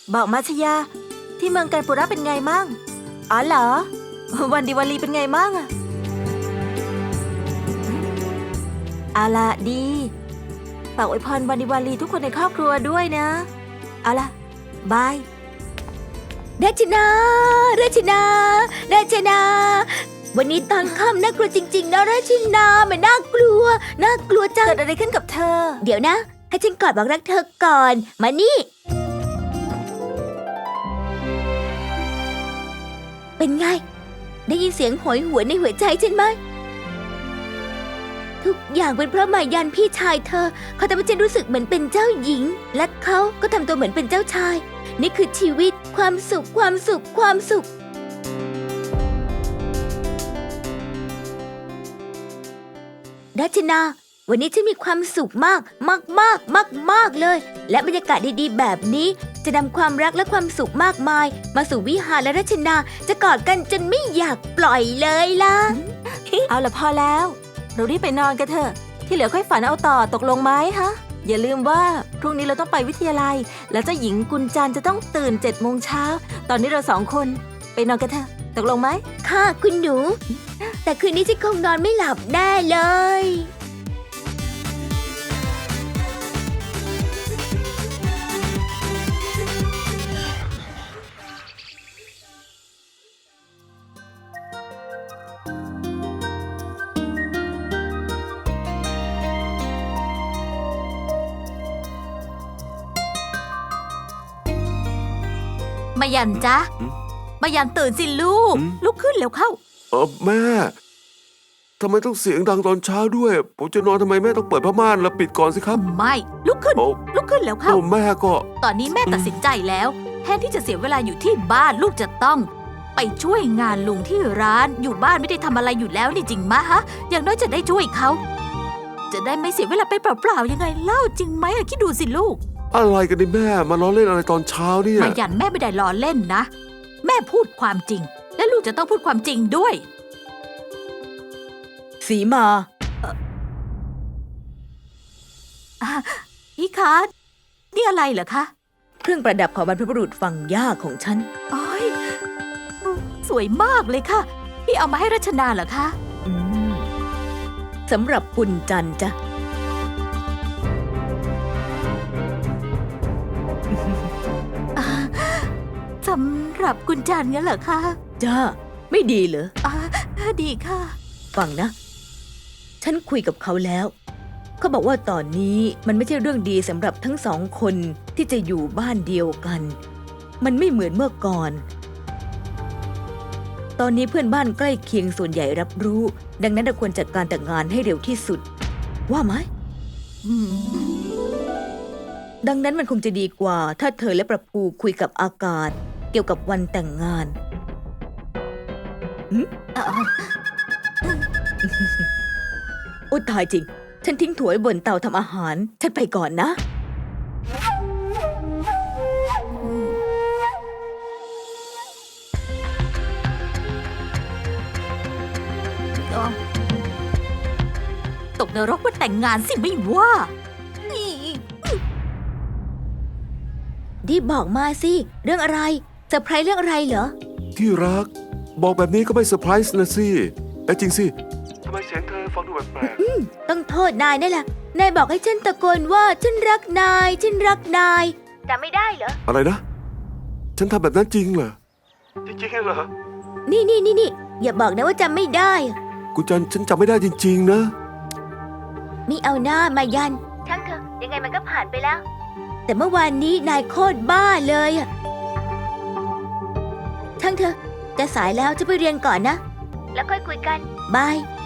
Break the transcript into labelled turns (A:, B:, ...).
A: บอกมาชยาที่เมืองกันปุระเป็นไงมั่งอ๋อเหรอวันดิวาลีเป็นไงมั่งอะเอาล่ะดีฝากอวยพรวันดิวาลีทุกคนในครอบครัวด้วยนะเอาล่ะบายราชนาวันนี้ตอนค่ำน่ากลัวจริงๆนะราชนามันน่ากลัวจังเกิดอะไรขึ้นกับเธอเดี๋ยวนะให้ฉันกอดบอกรักเธอก่อนมานี่เป็นไงได้ยินเสียงโหยหวนในหัวใจฉันไหมทุกอย่างเป็นเพราะมายันพี่ชายเธอเขาทำให้ฉันรู้สึกเหมือนเป็นเจ้าหญิงและเขาก็ทำตัวเหมือนเป็นเจ้าชายนี่คือชีวิตความสุขรัชนาวันนี้ฉันมีความสุขมากเลยและบรรยากาศดีๆแบบนี้จะนำความรักและความสุขมากมายมาสู่วิหารและรัชนาจะกอดกันจนไม่อยากปล่อยเลยล่ะ เอาละพอแล้วเรารีบไปนอนกันเถอะที่เหลือค่อยฝันเอาต่อตกลงไหมฮะอย่าลืมว่าพรุ่งนี้เราต้องไปวิทยาลัยแล้วเจ้าหญิงกุญจันจะต้องตื่น7 โมงเช้าตอนนี้เรา2 คนไปนอนกันเถอะตกลงไหมค่ะคุณหนูแต่คืนนี้ฉันคงนอนไม่หลับแน่เลย
B: มายันจ๊ะมายันตื่นสิลูกลุกขึ้นเร็วเข้า
C: แม่ทำไมต้องเสียงดังตอนเช้าด้วยผมจะนอนทำไมแม่ต้องเปิดผ้าม่านแล้วปิดก่อนสิครับ
B: ไม่ลุกขึ้นเร็วเข้า
C: แม่ก็
B: ตอนนี้แม่ตัดสินใจแล้วแทนที่จะเสียเวลาอยู่ที่บ้านลูกจะต้องไปช่วยงานลุงที่ร้านอยู่บ้านไม่ได้ทำอะไรอยู่แล้วนี่จริงมะฮะอย่างน้อยจะได้ช่วยเขาจะได้ไม่เสียเวลาไปเปล่าๆยังไงเล่าจริงไหมคิดดูสิลูก
C: อะไรกันนี่แม่มาล้อเล่นอะไรตอนเช้าเนี่ย
B: มายันแม่ไม่ได้ล้อเล่นนะแม่พูดความจริงและลูกจะต้องพูดความจริงด้วย
A: สีมา
B: พี่คะนี่อะไรเหรอคะ
A: เครื่องประดับของบรรพบุรุษฝั่งย่าของฉัน
B: อ๋อยสวยมากเลยค่ะพี่เอามาให้รัชนาเหรอคะ
A: สำหรับกุญจันจ้ะ
B: สำหรับกุญจันงั้นเหรอคะ
A: จ้าไม่ดีเหรอ
B: ดีค่ะ
A: ฟังนะฉันคุยกับเขาแล้วเขาบอกว่าตอนนี้มันไม่ใช่เรื่องดีสำหรับทั้ง2 คนที่จะอยู่บ้านเดียวกันมันไม่เหมือนเมื่อก่อนตอนนี้เพื่อนบ้านใกล้เคียงส่วนใหญ่รับรู้ดังนั้นเราควรจัดการแต่งงานให้เร็วที่สุดว่าไหมดังนั้นมันคงจะดีกว่าถ้าเธอและประภูคุยกับอากาศเกี่ยวกับวันแต่งงานโอ้ตายจริงฉันทิ้งถั่วบนเตาทำอาหารฉันไปก่อนนะ
B: ตกนรกว่าแต่งงานสิไม่ว่า
A: ดีบอกมาสิเรื่องอะไรเซอร์ไพรส์เรื่องอะไรเหรอ
C: ที่รักบอกแบบนี้ก็ไม่เซอร์ไพรส์นะสิจริงสิทำไมเสียงเธอฟังดูแปลก
A: ๆต้องโทษนายนี่แหละนายบอกให้ฉันตะโกนว่าฉันรักนายจำไม่ได้เหรอ
C: อะไรนะฉันทำแบบนั้นจริงเหรอจริงเหรอ
A: นี่อย่าบอกนะว่าจำไม่ได้
C: กุญจันฉันจำไม่ได้จริงๆนะ
A: ไม่เอาหน้ามายันช่างเถอะยังไงมันก็ผ่านไปแล้วแต่เมื่อวานนี้นายโคตรบ้าเลยช่างเถอะจะสายแล้วจะไปเรียนก่อนนะแล้วค่อยคุยกันบาย